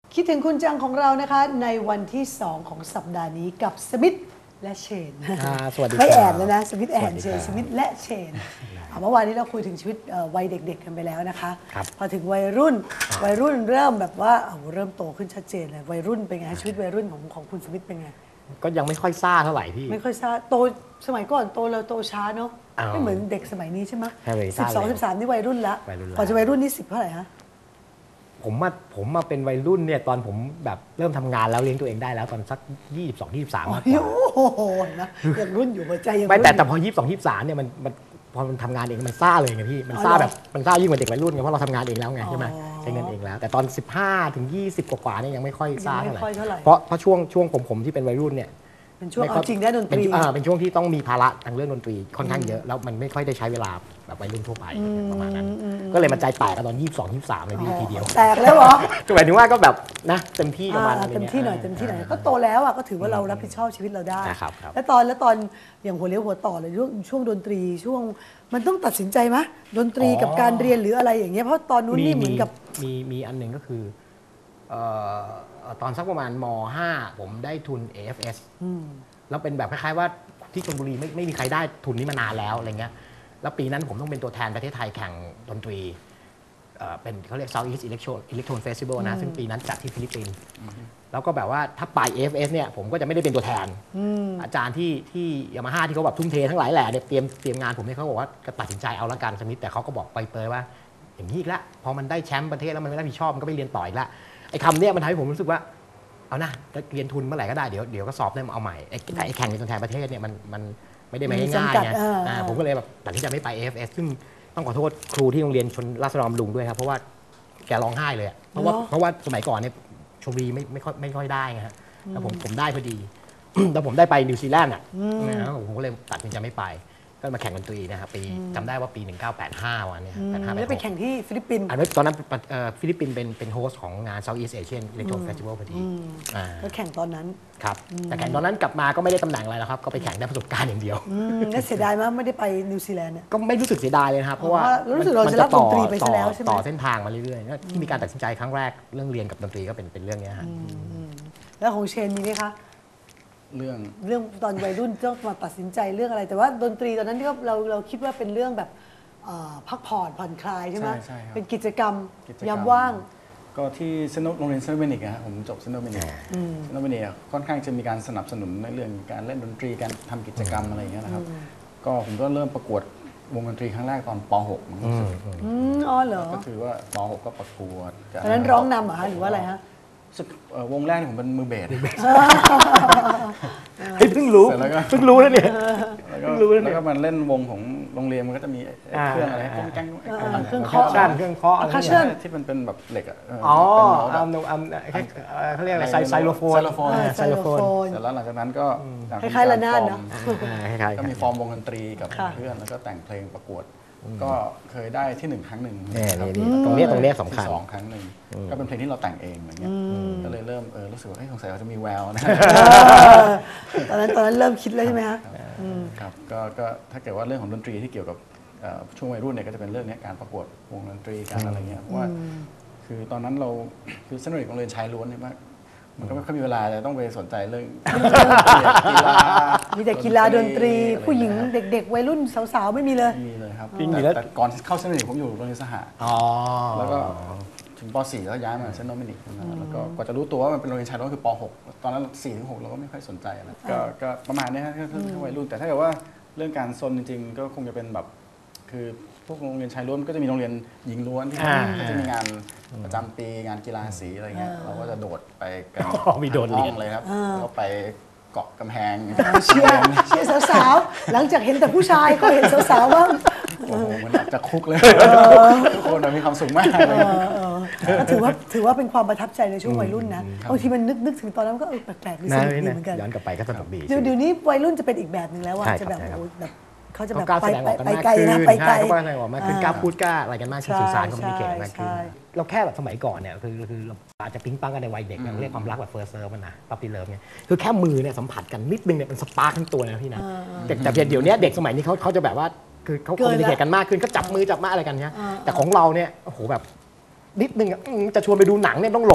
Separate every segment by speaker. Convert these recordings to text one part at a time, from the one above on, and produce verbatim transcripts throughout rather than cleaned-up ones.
Speaker 1: คิดถึงคุณจังของเรานะคะในวันที่สองของสัปดาห์นี้กับสมิธและเชน
Speaker 2: สวัสดี
Speaker 1: ไม่แอนแล้วนะสมิธแอนเชนสมิธและเชนเมื่อวานนี้เราคุยถึงชีวิตวัยเด็กๆกันไปแล้วนะคะพอถึงวัยรุ่นวัยรุ่นเริ่มแบบว่าเริ่มโตขึ้นชัดเจนเลยวัยรุ่นเป็นไงชีวิตวัยรุ่นของของคุณสมิธเป็นไง
Speaker 2: ก็ยังไม่ค่อยซ่าเท่าไหร่พี่
Speaker 1: ไม่ค่อยซ่าโตสมัยก่อนโตเราโตช้าเนาะไม่เหมือนเด็กสมัยนี้ใช่ไหมสิบสองสิบสามนี่วัยรุ่นละก่อนจะวัยรุ่นนี่สิบเท่าไหร่ฮะ
Speaker 2: ผมมาผมมาเป็นวัยรุ่นเนี่ยตอนผมแบบเริ่มทำงานแล้วเลี้ยงตัวเองได้แล้วตอนสักยี่สิบสองยี่สิบสามมากกว่า
Speaker 1: โอ้โหนะยังรุ่นอยู่หัวใจยัง
Speaker 2: ไม่แต่แต่พอยี่สิบสองยี่สิบสามเนี่ยมันมันพอมันทำงานเองมันซ่าเลยไงพี่มันซ่าแบบมันซ่ายิ่งกว่าเด็กวัยรุ่นไงเพราะเราทำงานเองแล้วไงใช่ไหมใช้เงินเองแล้วแต่ตอนสิบห้าถึงยี่สิบกว่าเนี่ยยังไม่ค่อยซ่าเท่าไหร่เพราะเพราะช่วงช่วงผมผมที่เป็นวัยรุ่นเนี่ย
Speaker 1: เป็นช่วงเอาจริงได้ดนตรี
Speaker 2: เป็นช่วงที่ต้องมีภาระทางเรื่องดนตรีค่อนข้างเยอะแล้วมันไม่ค่อยได้ใช้เวลาแบบวัยรุ่นทั่วไปประมาณนั้นก็เลยมาใจแตกกันตอนยี่สิบสองยี่สิบสามเลยพี่ทีเดียว
Speaker 1: แตกแล้วเหรอ
Speaker 2: หมายถึงว่าก็แบบนะเต็มที่ประมาณ
Speaker 1: เต็มที่หน่อยเต็มที่หน่อยก็โตแล้วอ่ะก็ถือว่าเรารับผิดชอบชีวิตเราได้แล้วตอนแล้วตอนอย่างหัวเลี้ยวหัวต่อเลยช่วงช่วงดนตรีช่วงมันต้องตัดสินใจไหมดนตรีกับการเรียนหรืออะไรอย่างเงี้ยเพราะตอนนู้นนี่เหมือนกับ
Speaker 2: มีมีอันหนึ่งก็คือตอนสักประมาณม.ห้าผมได้ทุน เอ เอฟ เอส แล้วเป็นแบบคล้ายๆว่าที่ชลบุรีไม่ไม่มีใครได้ทุนนี้มานานแล้วอะไรเงี้ยแล้วปีนั้นผมต้องเป็นตัวแทนประเทศไทยแข่งดนตรีเป็นเขาเรียก Southeast Electron Electron Festival นะซึ่งปีนั้นจัดที่ฟิลิปปินส์แล้วก็แบบว่าถ้าไป เอ เอฟ เอส เนี่ยผมก็จะไม่ได้เป็นตัวแทนอาจารย์ที่ที่ยามาฮ่าที่เขาแบบทุ่มเททั้งหลายแหล่เนี่ยเตรียมเตรียมงานผมเนี่ยเขาบอกว่าตัดสินใจเอาละกันสมิธแต่เขาก็บอกไปเปยว่าอย่างนี้อีกแล้วพอมันได้แชมป์ประเทศแล้วมันไม่รับผิดชอบมันก็ไปเรียนต่ออีกแล้วไอ้คำเนี้ยมันทำให้ผมรู้สึกว่าเอานะจะเรียนทุนเมื่อไหร่ก็ได้เดี๋ยวเดี๋ยวก็สอบได้มาเอาใหม่ไอ้ไอ้แข่งในตัวแทนประเทศเนี่ยมันมันไม่ได้ไม่ง่ายไงผมก็เลยแบบตัดสินใจไม่ไป เอ เอฟ เอส ซึ่งต้องขอโทษครูที่โรงเรียนชนราษฎรบำรุงด้วยครับเพราะว่าแกร้องไห้เลยเพราะว่าเพราะว่าสมัยก่อนเนี่ยชลบุรีไม่ไม่ค่อยไม่ค่อยได้ไงฮะแต่ผมผมได้พอดีแต่ผมได้ไปนิวซีแลนด์อ่ะผมก็เลยตัดสินใจไม่ไปก็มาแข่งดนตรีนะครับปีจำได้ว่าปีหนึ่งพันเก้าร้อยแปดสิบห้าวันนี้แปดสิบห้า
Speaker 1: แล้วไปแข่งที่ฟิลิปปินส์
Speaker 2: อันนั้นตอนนั้นฟิลิปปินส์เป็นเป็นโฮสต์ของงาน Southeast Asian Electron Festival พอดี
Speaker 1: แล้วแข่งตอนนั้น
Speaker 2: ครับแต่แข่งตอนนั้นกลับมาก็ไม่ได้ตำแหน่งอะไรแล้วครับก็ไปแข่งได้ประสบการณ์อย่างเดียว
Speaker 1: แล้วเสียดายมากไม่ได้ไปนิวซีแลนด์เนี่ย
Speaker 2: ก็ไม่รู้สึกเสียดายเลยครับเพราะว่า
Speaker 1: รู้สึกเราจะรับดนตรีไปซะแล้วใช่ไหม
Speaker 2: ต่อเส้นทางมาเรื่อยๆที่มีการตัดสินใจครั้งแรกเรื่องเรียนกับดนตรีก็เป็นเป็นเรื่องนี้ฮะ
Speaker 1: แล้วของเชนมีไหมคะ
Speaker 3: เรื่อง
Speaker 1: เรื่องตอนวัยรุ่นต้องมาตัดสินใจเรื่องอะไรแต่ว่าดนตรีตอนนั้นที่เราเราคิดว่าเป็นเรื่องแบบพักผ่อนผ่อนคลายใช่ไหมเป็นกิจกรรมยามว่าง
Speaker 3: ก็ที่เซนโรงเรียนเซนต์เบนิกครับผมจบเซนต์เบนิกเซนต์เบนิกค่อนข้างจะมีการสนับสนุนในเรื่องการเล่นดนตรีการทำกิจกรรมอะไรอย่างเงี้ยนะครับก็ผมก็เริ่มประกวดวงดนตรีครั้งแรกตอนป .หก
Speaker 1: อ๋อเหรอ
Speaker 3: ก็คือว่าป .หก ก็ประกวด
Speaker 1: ตอนนั้นร้องนำเหรอหรือว่าอะไรฮะ
Speaker 3: วงแรกผมเป็นมือเบส
Speaker 2: เพิ่งรู้เพิ่งรู้แล้วเนี่ย
Speaker 3: เพิ่งรู้แล้วก็มันเล่นวงของโรงเรียนมันก็จะมีเครื่องอะไรแก้ง
Speaker 1: เครื่องเคาะ
Speaker 2: เครื่องเคาะอะไร
Speaker 3: ที่มันเป็นแบบเหล็กอ่ะ
Speaker 2: อ๋ออัมอัมเขาเรียกอะไรไซโลโฟน
Speaker 3: ไซโลโฟน
Speaker 1: ไซโลโฟน
Speaker 3: เสร็จแล้วหลังจากนั้นก็
Speaker 1: คล้ายๆระนาดเนาะ
Speaker 3: ก็มีฟอร์มวงดนตรีกับเพื่อนแล้วก็แต่งเพลงประกวดก็เคยได้ที่หนึ่งครั้งหนึ่ง
Speaker 2: ตรงนี้ตรงนี้สำคัญ
Speaker 3: สองครั้งหนึ่งก็เป็นเพลงที่เราแต่งเองอย่างเงี้ยก็เลยเริ่มเออรู้สึกว่าสงสัยเราจะมีแววนะ
Speaker 1: ตอนนั้นตอนนั้นเริ่มคิดแล้วใช่ไหมฮะ
Speaker 3: ครับก็ก็ถ้าเกิดว่าเรื่องของดนตรีที่เกี่ยวกับช่วงวัยรุ่นเนี่ยก็จะเป็นเรื่องนี้การประกวดวงดนตรีการอะไรเงี้ยเพราะว่าคือตอนนั้นเราคือเส้นเด็กโรงเรียนชายล้วนเนี่ยมากมันก็ไม่ค่อยมีเวลาจะต้องไปสนใจเรื่องกีฬา
Speaker 1: มีแต่กีฬาดนตรีผู้หญิงเด็กๆวัยรุ่นสาวๆไม่มีเลย
Speaker 3: มีเลยครับแต่ก่อนเข้าเส้นเด็กผมอยู่โรงเรียนสหะแล้วก็ถึงป .สี่ แล้วย้ายมาเซนต์โดมินิกแล้วก็กว่าจะรู้ตัวว่ามันเป็นโรงเรียนชายล้วนคือป .หก ตอนนั้น สี่ถึงหก เราก็ไม่ค่อยสนใจอะไรก็ประมาณนี้ครับถ้าวัยรุ่นแต่ถ้าเกิดว่าเรื่องการซนจริงๆก็คงจะเป็นแบบคือพวกโรงเรียนชายล้วนก็จะมีโรงเรียนหญิงล้วนที่เขาจะมีงานประจำปีงานกีฬาสีอะไรเงี้ยเราก็จะโดดไปกัน
Speaker 2: มีโดดเรียน
Speaker 3: เลยครับแล้วไปเกาะกำแพง
Speaker 1: เชียร์เชียร์สาวๆหลังจากเห็นแต่ผู้ชายก็เห็นสาวๆบ้าง
Speaker 3: โอ้โหมันจะคุกเลยทุกคนมีความสุขมาก
Speaker 1: ก็ถือว่าถือว่าเป็นความประทับใจในช่วงวัยรุ่นนะบางทีมันนึกนึกถึงตอนนั้นก็เออแปลกๆดีสนุกดีเหมือนกัน
Speaker 2: ย้อนกลับไปก็สนุกดี
Speaker 1: เดี๋ยวนี้วัยรุ่นจะเป็นอีกแบบหนึ่งแล้วว่าจะแบบแบบเขาจะแบบ
Speaker 2: ไป
Speaker 1: ไปไกลนะไปไกล
Speaker 2: เขากล้าแสดงออกมากขึ้นกล้าพูดกล้าอะไรกันมากขึ้นสื่อสารคอมมิวนิเคชมากขึ้นเราแค่แบบสมัยก่อนเนี่ยคือคืออาจจะปิ๊งปังกันในวัยเด็กเรียกความรักแบบเฟิร์สเลิฟนะปั๊ปปี้เลิฟเนี่ยคือแค่มือเนี่ยสัมผัสกันนิดนึงเนี่ยมันสปาร์คทั้งตัวนะพี่นะแต่แต่เดี๋ยวนี้เด็กสมัยนี้เขาเขาจะแบบว่าคือเขาคอมมิวนิเคชกันมากขึ้นก็จับมือจับมาอะไรกันเนี่ยแต่ของเราเนี่ยโอ้โหแบบนิดนึงจะชวนไปดูหนังเนี่ยต้องหลบ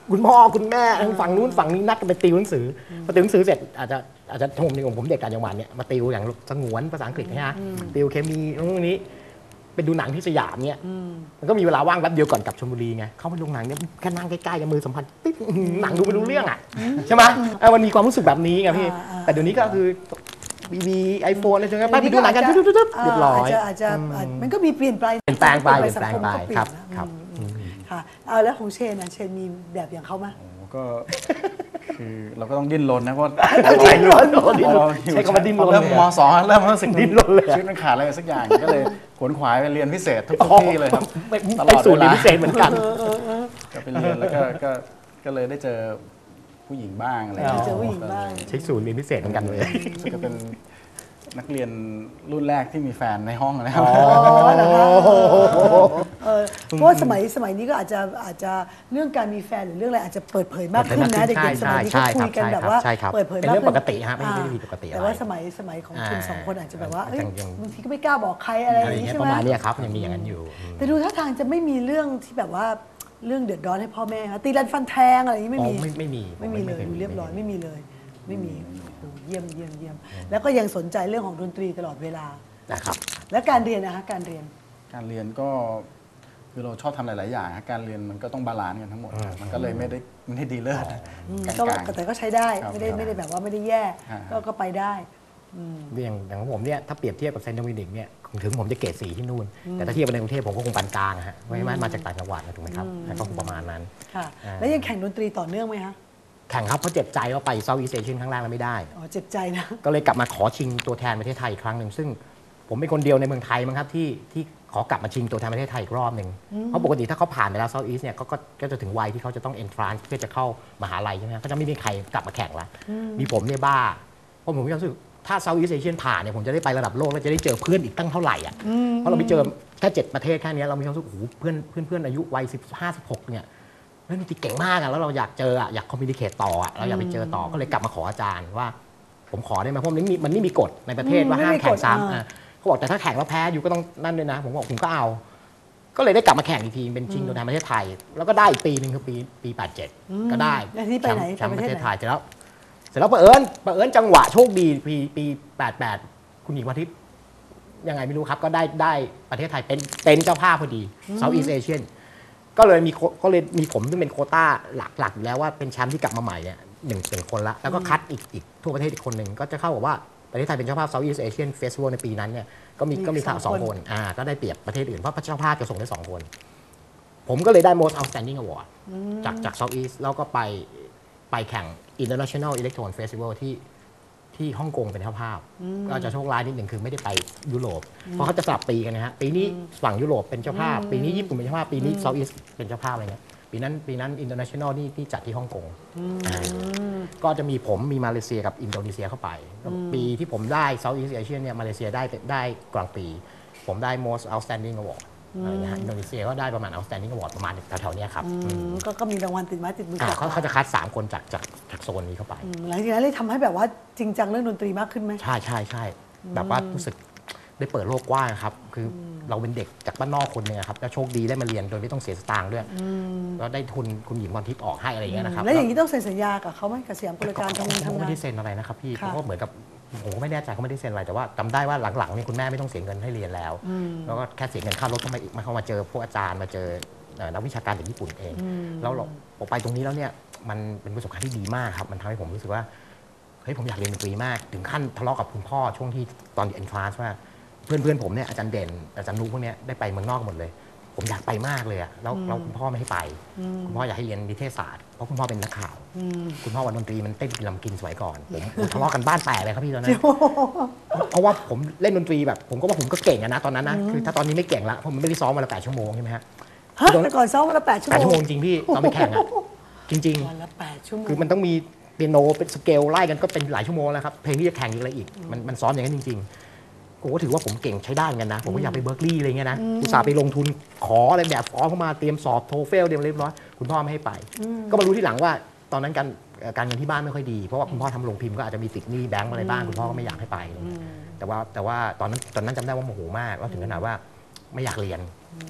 Speaker 2: คุณพ่อคุณแม่ทั้งฝั่งนู้นฝั่งนี้นัดกันไปติวหนังสือพอติวหนังสือเสร็จอาจจะอาจจะผมในของผมเด็กต่างจังหวัดเนี่ยมาติวอย่างสงวนภาษาอังกฤษนะฮะติวเคมีตรงนี้เป็นดูหนังที่สยามเนี่ยมันก็มีเวลาว่างแป๊บเดียวก่อนกลับชลบุรีไงเข้าไปโรงหนังเนี่ยแค่นั่งใกล้ๆกับมือสัมผัสติ๊ดหนังดูไม่รู้เรื่องอ่ะใช่ไหมเออมันมีความรู้สึกแบบนี้ไงพี่แต่เดี๋ยวนี้ก็คือบีบีไอโฟนอะไรจนกระทั่งไปดูหนังกันตุ๊บๆๆเรียบร้อย
Speaker 1: อาจจะอาจจะมันก็มีเปลี่ยนไป
Speaker 2: เปลี่ยนแปลงไปเปลี่ยนแปลงไปครับครับ
Speaker 1: ค่ะเอาแล้วของเชนนะเชนมีแบบอย่างเขาไหม
Speaker 3: โอ้ก็คือเราก็ต้องดิ้นรนนะเพราะ
Speaker 2: ดิ้นรนดิ้นรนใช้คำว่าดิ้นรน
Speaker 3: เริ่มมสองเริ่มรู้สึก
Speaker 2: ดิ้นรนเลย
Speaker 3: ชีวิตมันขาดอะไรสักอย่างก็เลยขวนขวายไปเรียนพิเศษทุกที่เลยครับตล
Speaker 2: ไป
Speaker 3: อด
Speaker 2: สู่
Speaker 3: เว
Speaker 2: เรียน
Speaker 3: ลา
Speaker 2: พิเศษเหมือนกัน
Speaker 3: ก็ไปเรียนแล้วก็ก็ก็เลยได้เจอผู้หญิงบ้างอะไร
Speaker 1: เจอผู้หญิงบ้าง
Speaker 2: ใช้ศูนย์เรียนพิเศษเหมือนกันเลย
Speaker 3: รู้สึกจะเป็นนักเรียนรุ่นแรกที่มีแฟนในห้องนะครับ
Speaker 1: อ๋อเหรอคะเออเพราะว่าสมัยสมัยนี้ก็อาจจะอาจจะเรื่องการมีแฟนหรือเรื่องอะไรอาจจะเปิดเผยมากขึ้นนะเด็กๆสมัยนี้ก็คุยกันแบบว่าเปิดเผย
Speaker 2: เป็น
Speaker 1: มาก
Speaker 2: เรื่อง
Speaker 1: ขึ้
Speaker 2: ป
Speaker 1: น
Speaker 2: กติฮะไม่ได้ผิดปกติอะไร
Speaker 1: แต่ว่าสมัยสมัยของคุณ
Speaker 2: อ่า
Speaker 1: สองคนอาจจะแบบว่าเอ้ย
Speaker 2: ยังยัง
Speaker 1: บางทีก็ไม่กล้าบอกใครอะไรอ
Speaker 2: อะไร
Speaker 1: ย่างนี้
Speaker 2: เงี้ย
Speaker 1: ใช่
Speaker 2: ป
Speaker 1: ไหม
Speaker 2: ระมาณเนี้ยครับยังมีอย่างนั้นอยู่
Speaker 1: แต่ดูท่าทางจะไม่มีเรื่องที่แบบว่าเรื่องเดือดร้อนให้พ่อแม่นะตีรันฟันแทงอะไรอย่างนี้ไม่มี
Speaker 2: อ๋อไม่ไม่มี
Speaker 1: ไม่มีเลย
Speaker 2: ไม่
Speaker 1: ดู
Speaker 2: มี
Speaker 1: เรียบร้อย
Speaker 2: ไม่มี
Speaker 1: ไม่มีเลย ไม่มีโอ้เยี่ยมเยี่ยมเยี่ยมแล้วก็ยังสนใจเรื่องของดนตรีตลอดเวลา
Speaker 2: นะครับ
Speaker 1: และการเรียนนะคะการเรียน
Speaker 3: การเรียนก็คือเราชอบทำหลาย ๆ อย่างฮะการเรียนมันก็ต้องบาลานซ์กันทั้งหมด มันก็เลยไม่ได้ไม่ได้ดีเลิศกล
Speaker 1: ก็
Speaker 3: าง
Speaker 1: แต่ก็ใช้ได้
Speaker 3: ครับ
Speaker 1: ไม่ได้ไม่ได้แบบว่าไม่ได้แย่
Speaker 3: ฮะ
Speaker 1: ก็ก็ไปได้
Speaker 2: อย่างอย่างของผมเนี่ยถ้าเปรียบเทียบกับเซนต์โดมินิกเนี่ยถึงผมจะเกรดสี่ที่นู่น แต่ถ้าเทียบกับในกรุงเทพผมก็คงปานกลางอะฮะไม่ไม่มาจากต่างจังหวัดนะถูกไหมครับก็คงประมาณนั้น
Speaker 1: ค่ะ
Speaker 2: อ่า
Speaker 1: แล้วยังแข่งดนตรีต่อเนื่องไหมคะ
Speaker 2: แข่งครับเพราะเจ็บใจว่าไปเซาท์อีสต์เอเชียนครั้งแรกแล้วไม่ได้
Speaker 1: อ๋อเจ็บใจนะ
Speaker 2: ก็เลยกลับมาขอชิงตัวแทนประเทศไทยอีกครั้งหนึ่งซึ่งผมเป็นคนเดียวในเมืองไทยมั้งครับที่ที่ขอกลับมาชิงตัวแทนประเทศไทยอีกรอบหนึ่งเพราะปกติถ้าเขาผ่านไปแล้วเซาท์อีสต์เนี่ยก็ก็ก็จะถึงวัยที่เขาจะต้องเอนทรานซ์เพื่อจะเข้ามหาลัยใช่ไหมครับก็จะไม่มีใครกลับมาแข่งละมีผมเนี่ยบ้าเพราะผมมีความรู้สึกถ้าเซาท์อีสต์เอเชียนผ่านเนี่ยผมจะได้ไประดับโลกแล้วจะได้เจอเพื่อนอีกตั้งเท่าไหร่อ่ะเพราะเราไปเจอแค่เจ็ดประเทศแค่นี้เรามีความรู้สึกโอ้โหเพื่อนเพื่อนเพื่อนอายุวัยสิบห้าสิบหกเนี่ยเล่นดนตรีเก่งมากอะแล้วเราอยากเจออะอยากคอมมิวนิเคตต่ออะเราอยากไปเจอต่อก็เลยกลับมาขออาจารย์ว่า ผมขอได้ไหมเพราะมันไม่มีมันไม่มีกฎในประเทศว่าห้ามแข่งซ้ำอ่ะเขาบอกแต่ถ้าแข่งแล้วแพ้อยู่ก็ต้องนั่นด้วยนะ ผมบอกผมก็เอา ก็เลยได้กลับมาแข่งอีกทีเป็นชิงตัวแทนประเทศไทย แล้วก็ได้อีกปีหนึ่งคือปีปีแปดเจ็ดก็ได้
Speaker 1: แล้วที่ไปไหน
Speaker 2: แชมป์
Speaker 1: ไป
Speaker 2: ป
Speaker 1: ประ
Speaker 2: ระ
Speaker 1: เท
Speaker 2: เท
Speaker 1: ศ
Speaker 2: ศ
Speaker 1: ไหน
Speaker 2: ไทยเสร็จแล้วเสร็จแล้วเผอิญเผอิญจังหวะโชคดีปีปีแปดแปดคุณหญิงวันทิพย์ยังไงไม่รู้ครับก็ได้ได้ประเทศไทยเป็นเป็นเจ้าภาพพอดี Southeast Asian ก็เลยมีก็เลยมีผมซึ่งเป็นโควต้าหลักๆอยู่แล้วว่าเป็นแชมป์ที่กลับมาใหม่เนี่ยหนึ่งเป็นคนละแล้วก็คัดอีกอีกทั่วประเทศอีกคนหนึ่งก็จะเข้ากับว่าประเทศไทยเป็นเจ้าภาพ Southeast Asian Festival ในปีนั้นเนี่ยก็มีก็มีสองคนอ่าก็ได้เปรียบประเทศอื่นเพราะเจ้าภาพจะส่งได้สองคนผมก็เลยได้ Most Outstanding Award จากจาก Southeast แล้วก็ไปไปแข่ง International Electron Festival ที่ที่ฮ่องกงเป็นเจ้าภาพก็จะโชคร้ายนิดหนึ่งคือไม่ได้ไปยุโรปเพราะเขาจะสลับปีกันนะฮะปีนี้ฝั่งยุโรปเป็นเจ้าภาพ ปีนี้ญี่ปุ่นเป็นเจ้าภาพปีนี้ Southeast เป็นเจ้าภาพอะไรเงี้ยปีนั้นปีนั้น International นี่ที่จัดที่ฮ่องกงก็จะมีผมมีมาเลเซียกับอินโดนีเซียเข้าไปปีที่ผมได้ Southeast Asia เนี่ยมาเลเซียได้ได้กลางปี ผมได้ Most Outstanding Award อะไรเงี้ยฮะอินโดนีเซียก็ได้ประมาณ Outstanding Award ประมาณแถวๆเนี้ยครับ
Speaker 1: ก็ก็มีรางวัลติดไม้ติดมือก
Speaker 2: อ่า
Speaker 1: ลับ
Speaker 2: เขาเขาจะคัดสามคนจากจากจากโซนนี้เข้าไป
Speaker 1: อืมหลังจากนั้นเลยทำให้แบบว่าจริงจังเรื่องดนตรีมากขึ้นไหม
Speaker 2: ใช่ใช่ใช่แบบว่ารู้สึกได้เปิดโลกกว้างครับ คือเราเป็นเด็กจากบ้านนอกคนหนึงอะครับแล้วโชคดีได้มาเรียนโดยไม่ต้องเสียสตางค์ด้วยแล้วได้ทุนคุณหญิงพรทิพย์ออกให้อะไรอย่างเงี้ยนะครับ
Speaker 1: แล้วอย่างนี้ต้องเซ็นสัญญากับเขาไหมกับสยามกุลการทำงาน
Speaker 2: เขา
Speaker 1: ทำ
Speaker 2: ก็
Speaker 1: งา
Speaker 2: ไม่
Speaker 1: น
Speaker 2: ได้เซ็นอะไรนะครับพี่
Speaker 1: ค่ะ
Speaker 2: เขาก็เหมือนกับผมก็ไม่แน่ใจเขาไม่ได้เซ็นอะไรแต่ว่าจำได้ว่าหลังๆเนี่ยคุณแม่ไม่ต้องเสียเงินให้เรียนแล้วแล้วก็แค่เสียเงินค่ารถเข้ามามาเข้ามาเจอพวกอาจารย์มาเจอเอ่อนักวิชาการจากญี่ปุ่นเองแล้วเราผมไปตรงนี้แล้วเนี่ยมันเป็นประสบการณ์ที่ดีมากครับมันทำให้ผมรู้สึกว่าเฮ้ยผมอยากเรียนดนตรีมากถึงขั้นทะเลาะกับคุณพ่อช่วงที่ตอนเอ็นทรานซ์ว่าเพื่อนเพื่อนผมเนี่ยอาจารย์เด่นอาจารย์นุ๊กพวกเนี้ยได้ไปเมืองนอกหมดเลย ผมอยากไปมากเลยอะแล้วเราคุณพ่อไม่ให้ไป คุณพ่ออยากให้เรียนนิเทศศาสตร์เพราะคุณพ่อเป็นนักข่าวคุณพ่อวันดนตรีมันเต้นกินลำกินสมัยก่อนผมผมทะเลาะกันบ้านแตกเลยครับพี่ตอนนั้นเพราะว่าผมเล่นดนตรีแบบผมก็ว่าผมก็เก่งอะนะตอนนั้นนะคือถ้าตอนนี้ไม่เก่งละเพราะมันไม่ได้ซ้อมวันละแปดชั่วโมงใช่ไหมฮะ
Speaker 1: ฮะแต่ก่อนซ้อมวันละแปดชั่ว
Speaker 2: แปด
Speaker 1: โม
Speaker 2: ชั่วโม
Speaker 1: ง
Speaker 2: งจริงพี่ตอนไปแข่งอะจริง
Speaker 1: วันละแปดชั่วโม
Speaker 2: ๆ
Speaker 1: ง
Speaker 2: คือมันต้องมีเปียโนเป็นสเกลไล่กันก็เป็นหลายชั่วโมงแล้วครับเพลงที่จะแข่งอีกอะไรอีกมันมันซ้อมอย่างนั้นจริงๆผมก็ถือว่าผมเก่งใช้ได้เหมือนกันนะผมก็อยากไปเบิร์กลีย์อะไรเงี้ยนะอุตส่าห์ไปลงทุนขออะไรแบบฟอร์มเข้ามาเตรียมสอบโทเฟลเตรียมเรียบร้อยคุณพ่อไม่ให้ไป ก็มารู้ที่หลังว่าตอนนั้นการการเงินที่บ้านไม่ค่อยดีเพราะว่าคุณพ่อทำโรงพิมพ์ก็อาจจะมีติดหนี้แบงก์อะไรบ้างคุณพ่อก็ไม่อยากให้ไปอะไรเงี้ยแต่ว่าแต่ว่าตอนนั้นตอนนั้นจำได้ว่าโมโหมากแล้วถึงขนาดว่าไม่อยากเรียน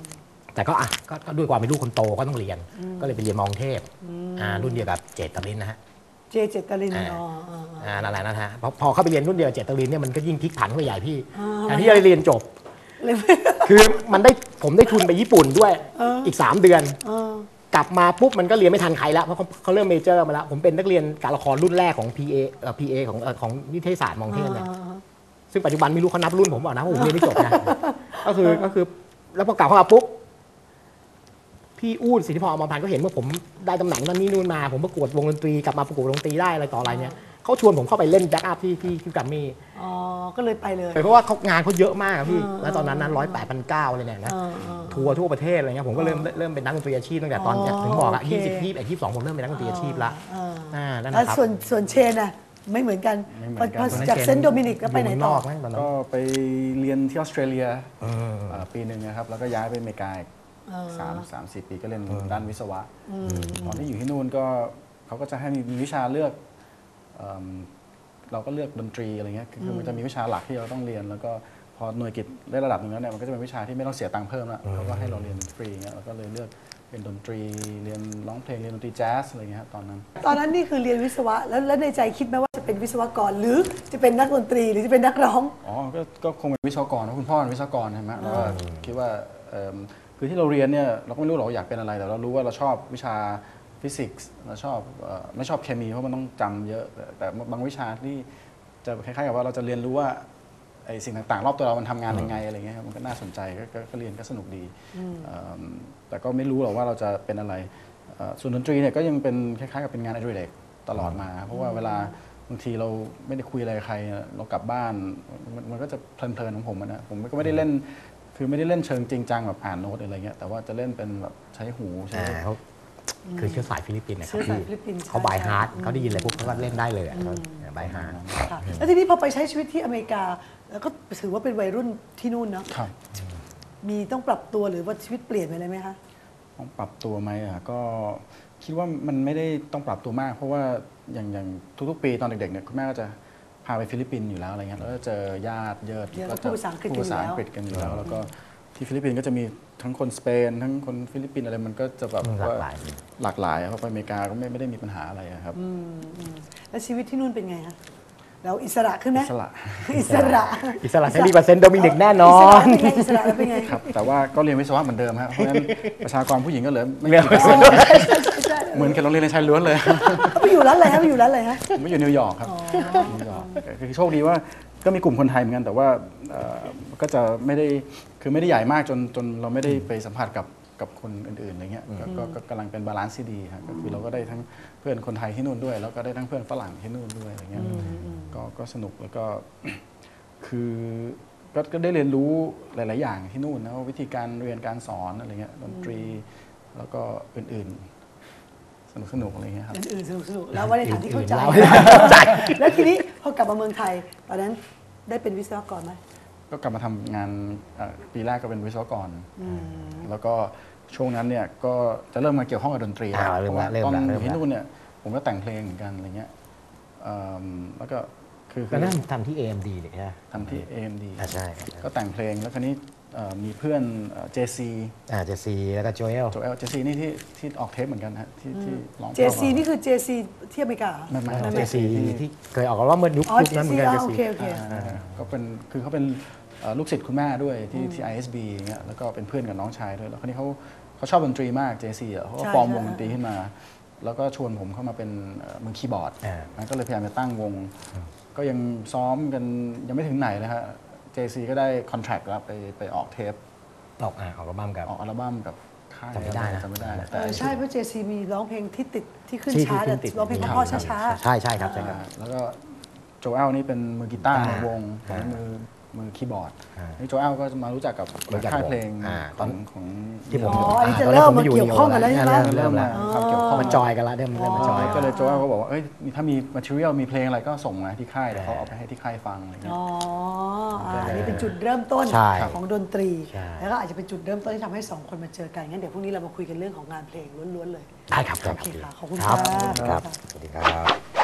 Speaker 2: แต่ก็อ่ะก็ก็ด้วยความเป็นลูกคนโตก็ต้องเรียน ก็เลยไปเรียนมองเทพอ่ารุ่นเดียวกับเจตรินนะฮะ
Speaker 1: เจเจตริน
Speaker 2: อ่า
Speaker 1: อ๋ออ๋อ
Speaker 2: อ่านั่นแหละนะฮะพอพอเข้าไปเรียนรุ่นเดียวกับเจตรินเนี่ยมันก็ยิ่งพลิกผันเข้าไปใหญ่พี่
Speaker 1: อ่า
Speaker 2: แต่ที่จะเรียนจบ
Speaker 1: เลย
Speaker 2: คือมันได้ผมได้ทุนไปญี่ปุ่นด้วยอีกสามเดือน
Speaker 1: เออก
Speaker 2: ลับมาปุ๊บมันก็เรียนไม่ทันใครแล้วเพราะเขาเขาเริ่มเมเจอร์มาแล้วผมเป็นนักเรียนการละครรุ่นแรกของ พี เอ เอ่อ พี เอ ของเอ่อของนิเทศศาสตร์มองเทพเนี่ย ซึ่งปัจจุบันไม่รู้เขานับรุ่นผมเปล่านะเพราะผมเรียนไม่จบนะ ก็คือก็คือแล้วพอกลับเข้ามาปุ๊บพี่อู๊ดสิทธิพรอมรพันธ์ก็เห็นว่าผมได้ตำแหน่งนั้นนี่นู่นมาผมประกวดวงดนตรีกลับมาประกวดวงดนตรีได้อะไรต่ออะไรเนี่ยเขาชวนผมเข้าไปเล่นแบ็กอัพที่ที่ที่แกรมมี่
Speaker 1: อ๋อก็เลยไปเลย
Speaker 2: เพราะว่าเขางานเขาเยอะมากอะพี่แล้วตอนนั้นนั้นร้อยแปดพันเก้าเลยเนี่ยนะ
Speaker 1: เออเออ
Speaker 2: ทัวร์ทั่วประเทศอะไรเงี้ยผมก็เริ่มเริ่มเป็นนักดนตรีอาชีพตั้งแต่ตอน
Speaker 1: อ๋อ
Speaker 2: ถึงบอกอะ
Speaker 1: โอเค
Speaker 2: ยี่สิบยี่สิบเอ็ดยี่สิบสองผมเริ่มเป็นนักดนตรีอาชีพละ
Speaker 1: เออ
Speaker 2: อ่านั่น
Speaker 1: แล้ว
Speaker 2: นะครับ
Speaker 1: ส่วนส่วนเชนอะไม่เหมือนกัน
Speaker 3: ไม่เหมื
Speaker 1: พอ
Speaker 3: อนกัน
Speaker 1: พอจากเซนต์โดมินิกแล้วไปไหนต่อ
Speaker 2: ยู่เมืงกไหมตอนนั้น
Speaker 3: ก็ไปเรียนที่ออสเตรเลีย
Speaker 2: เออ
Speaker 3: เอ่อปีหนึ่งนะครับแล้วก็ย้ายไปอเมริกาอีกสามสามสี่ปีก็เรียนด้านวิศวะตอนที่อยู่ที่นู่นก็เขาก็จะให้มีวิชาเลือกเอิ่มเราก็เลือกดนตรีอะไรเงี้ยคือคือมันจะมีวิชาหลักที่เราต้องเรียน แล้วก็พอหน่วยกิตได้ระดับหนึ่งแล้วเนี่ยมันก็จะเป็นวิชาที่ไม่ต้องเสียตังค์เพิ่มแล้วเขาก็ให้เราเรียนฟรีเงี้ยเราก็เลยเลือกเป็นดนตรีเรียนร้องเพลงเรียนดนตรีแจ๊สอะไรเงี้ยครับตอนนั้น
Speaker 1: ตอนนั้นนี่คือเรียนวิศวะแล้วแล้วในใจคิดไหมว่าจะเป็นวิศวกรหรือจะเป็นนักดนตรีหรือจะเป็นนักร้อง
Speaker 3: อ๋อก็ก็คงเป็นวิศวกรเพราะคุณพ่อเป็นวิศวกรใช่ไหมแล้วก็คิดว่าเอิ่มคือที่เราเรียนเนี่ยเราก็ไม่รู้หรอกว่าอยากเป็นอะไรแต่เรารู้ว่าเราชอบวิชาฟิสิกส์เราชอบเอ่อไม่ชอบเคมีเพราะมันต้องจำเยอะแต่แต่บางวิชาที่จะคล้ายๆกับว่าเราจะเรียนรู้ว่าไอ้สิ่งต่างๆรอบตัวเรามันทำงานยังไงอะไรเงี้ยครับมันก็น่าสนใจก็ก็ก็เรียนก็สนุกดีเอิ่มแต่ก็ไม่รู้หรอกว่าเราจะเป็นอะไรเอ่อส่วนดนตรีเนี่ยก็ยังเป็นคล้ายๆกับเป็นงานอดิเรกตลอดมา เพราะว่าเวลาบางทีเราไม่ได้คุยอะไรกับใครเรากลับบ้านมันมันก็จะเพลินๆของผมอะนะผมก็ไม่ได้เล่นคือไม่ได้เล่นเชิงจริงจังแบบอ่านโน้ตอะไรเงี้ยแต่ว่าจะเล่นเป็นแบบใช้หูใช้
Speaker 2: อ่าเขาคือเชื้อสายฟิลิปปินส์นะครั
Speaker 1: เชื้
Speaker 2: บ
Speaker 1: อสาย
Speaker 2: พี่
Speaker 1: ฟิลิปปินส์
Speaker 2: เขา
Speaker 1: ใช่
Speaker 2: บายฮาร์ด
Speaker 1: ใช่
Speaker 2: เขาได้ยินอะไรปุ๊บเขาก็เล่นได้เลยบายฮาร์ด
Speaker 1: ค่ะแล้วทีนี้พอไปใช้ชีวิตที่อเมริกา แล้วก็ถือว่าเป็นวัยรุ่นที่นู่นเนาะ
Speaker 3: ครับ
Speaker 1: มีต้องปรับตัวหรือว่าชีวิตเปลี่ยนไปเลยไหมคะ
Speaker 3: ต้องปรับตัวไหมอ่ะก็คิดว่ามันไม่ได้ต้องปรับตัวมาก เพราะว่าอย่างอย่างทุกๆปีตอนเด็กๆเนี่ยคุณแม่ก็จะพาไปฟิลิปปินส์อยู่แล้วอะไรเงี้ยแล้วก็เจอญาติเยิด
Speaker 1: เยอะ
Speaker 3: ก็
Speaker 1: พูดภาษาอังกฤษ
Speaker 3: พูดภาษา
Speaker 1: กันอยู่แล้ว
Speaker 3: อังกฤษกันอยู่แล้วแล้วก็ที่ฟิลิปปินส์ก็จะมีทั้งคนสเปน ทั้งคนฟิลิปปินส์อะไรมันก็จะแบบ
Speaker 2: หลากหลาย
Speaker 3: หลากหลายอะเพราะไปอเมริกาก็ไม่ไม่ได้มีปัญหาอะไรอะครับ
Speaker 1: แล้วชีวิตที่นู่นเป็นไงคะเราอิสระขึ้นไหม
Speaker 3: อิสระ
Speaker 1: อิสระ
Speaker 2: อิสระเสรีกว่าเซนต์โดมินิกแน่นอ
Speaker 1: อิสระ
Speaker 2: น
Speaker 1: เป็นไงอิสระแล้วเป็นไง
Speaker 3: ครับแต่ว่าก็เรียนวิศวะเหมือนเดิมครับเพราะฉะนั้นประชากรผู้หญิงก็เหลือไม่
Speaker 2: เรียน
Speaker 3: กี่เปอร์
Speaker 1: อ๋
Speaker 3: เซ็
Speaker 1: อน
Speaker 3: ต์
Speaker 1: ใช่ใช่ใช่
Speaker 3: เหมือนกับโรงเรียนในชายล้วนเลย
Speaker 1: ไปอยู่ร้านอะไรฮะไปอยู่ร้านอะไรฮะ
Speaker 3: ผมไม่อยู่นิวยอร์กครับนิวยอร์กคือโชคดีว่าก็มีกลุ่มคนไทยเหมือนกันแต่ว่าเอ่อก็จะไม่ได้คือไม่ได้ใหญ่มากจนจนเราไม่ได้ไปสัมผัสกับกับคนอื่นๆอะไรเงี้ยก็ก็ก็กำลังเป็นบาลานซ์ที่ดีครับก็คือเราก็ได้ทั้งเพื่อนคนไทยที่นู่นด้วย แล้วก็ได้ทั้งเพื่อนฝรั่งที่นู่นด้วยอะไรเงี้ยก็ก็สนุกแล้วก็ คือก็ก็ได้เรียนรู้หลาย ๆ อย่างที่นู่นนะว่าวิธีการเรียนการสอนอะไรเงี้ยดนตรีแล้วก็อื่นๆ สนุกสนุกอะไรเงี้ยครับ
Speaker 1: อื่นๆสนุกสนุกแล้วว่าในฐานที่เข้าใจ
Speaker 2: อื่นๆเล่าใจ
Speaker 1: แล้วทีนี้พอกลับมาเมืองไทยตอนนั้นได้เป็นวิศวกรไหม
Speaker 3: ก็กลับมาทำงานเอ่อปีแรกก็เป็นวิศวกร แล้วก็ช่วงนั้นเนี่ยก็จะเริ่มมาเกี่ยวข้องกับดนตรี
Speaker 2: อ่า
Speaker 3: แล้ว
Speaker 2: เริ่
Speaker 3: เพ
Speaker 2: ม
Speaker 3: ราะ
Speaker 2: ละ
Speaker 3: ว่า
Speaker 2: เริ่ม
Speaker 3: ตอน
Speaker 2: ละ
Speaker 3: อ
Speaker 2: เริ่ม
Speaker 3: ยู่ที่
Speaker 2: ละ
Speaker 3: นู่นเนี่ยผมก็แต่งเพลงเหมือนกันอะไรเงี้ยเอิ่มแล้วก็คือ
Speaker 2: ก็นั่นทำที่ เอ เอ็ม ดีเลยใช่ไหม
Speaker 3: ทำที่ เอ เอ็ม ดี
Speaker 2: อ่าใช่
Speaker 3: ก็แต่งเพลงแล้วคราวนี้เอ่อมีเพื่อนเจซี
Speaker 2: อ่าเจซีแล้วก็โจเอล
Speaker 3: โจเอลเจซีนี่ที่ที่ออกเทปเหมือนกันนะฮะที่ที่ร้อง
Speaker 1: เจซีนี่คือเจซีที่อเมริกาเหรอ
Speaker 3: ไม่ไม่
Speaker 2: เจซีที่เคยออกว่าเมื่อยุค
Speaker 1: อ๋อ
Speaker 2: ยุคนั้นเหมือนกัน
Speaker 1: เจ
Speaker 2: เจ
Speaker 1: ซี
Speaker 2: ซี
Speaker 1: โอเคโอเค
Speaker 3: อ่าก็เป็นคือเขาเป็นเอ่อลูกศิษย์คุณแม่ด้วยที่ที่ ไอ เอส บี อย่างเงี้ยแล้วก็เป็นเพื่อนกับน้องชายด้วยแล้วคราวนี้เขาเขาชอบดนตรีมาก เจ ซี อ่ะเขาก็
Speaker 1: ใช่
Speaker 3: ฟอร์ม
Speaker 1: ใช่
Speaker 3: วงดนตรีขึ้นมา แล้วก็ชวนผมเข้ามาเป็นเอ่อมือคีย์บอร์ด
Speaker 2: อ่า
Speaker 3: นะก็เลยพยายามจะตั้งวง ก็ยังซ้อมกันยังไม่ถึงไหนเลยฮะ เจ ซี ก็ได้คอนแทรคแล้วไปไปออกเทป
Speaker 2: ออกอ่าออกอัลบั้มกับ
Speaker 3: ออกอัลบั้มกับค่าย
Speaker 2: จำไม่ได้นะ
Speaker 3: จำไม่ได้แต่
Speaker 1: เออใช่เพราะเจซีมีร้องเพลงที่ติดที่ขึ้น
Speaker 2: ที่
Speaker 1: ชาร์ต
Speaker 2: ที่
Speaker 1: อะ
Speaker 2: ติด
Speaker 1: ร้องเพลงเพราะๆช้าๆ
Speaker 2: ใช่ใช่ครับใช่ครับ
Speaker 3: อ่าแล้วก็โจเอลนี่เป็นมือกีตาร์ในวงผม
Speaker 2: อ่า
Speaker 3: เป็นมือมือคีย์บอร์ด
Speaker 2: อ่า
Speaker 3: นี่โจเอลก็จะมารู้จักกับ
Speaker 2: รู้จัก
Speaker 3: ค่ายเพลง
Speaker 2: อ่า
Speaker 3: ตอนของ
Speaker 2: ที่ผม
Speaker 1: อ๋ออันนี้จะเริ่มมาเกี่ยวข้องกันแล้วใช่ไหม
Speaker 2: เริ่มแล้ว
Speaker 3: ความเกี่ยวข้อง
Speaker 2: มาจอยกันละเริ่มเริ่มมาจอย
Speaker 3: ก็เลยโจเอลก็บอกว่าเอ้ยถ้ามี material มีเพลงอะไรก็ส่งมาที่ค่ายเดี๋ยวเขาเอาไปให้ที่ค่ายฟังอะไรเงี้ย
Speaker 1: อ๋ออ่าอันนี้เป็นจุดเริ่มต้น
Speaker 2: ใช่
Speaker 1: ของดนตรี
Speaker 2: ใช่
Speaker 1: แล้วก็อาจจะเป็นจุดเริ่มต้นที่ทำให้สองคนมาเจอกันงั้นเดี๋ยวพรุ่งนี้เรามาคุยกันเรื่องของงานเพลงล้วนๆเลย
Speaker 2: ได้ครับ
Speaker 1: โอเคค่ะขอบคุณ
Speaker 2: ครับ
Speaker 1: ค่ะ
Speaker 2: ครับ สวัสดีครับ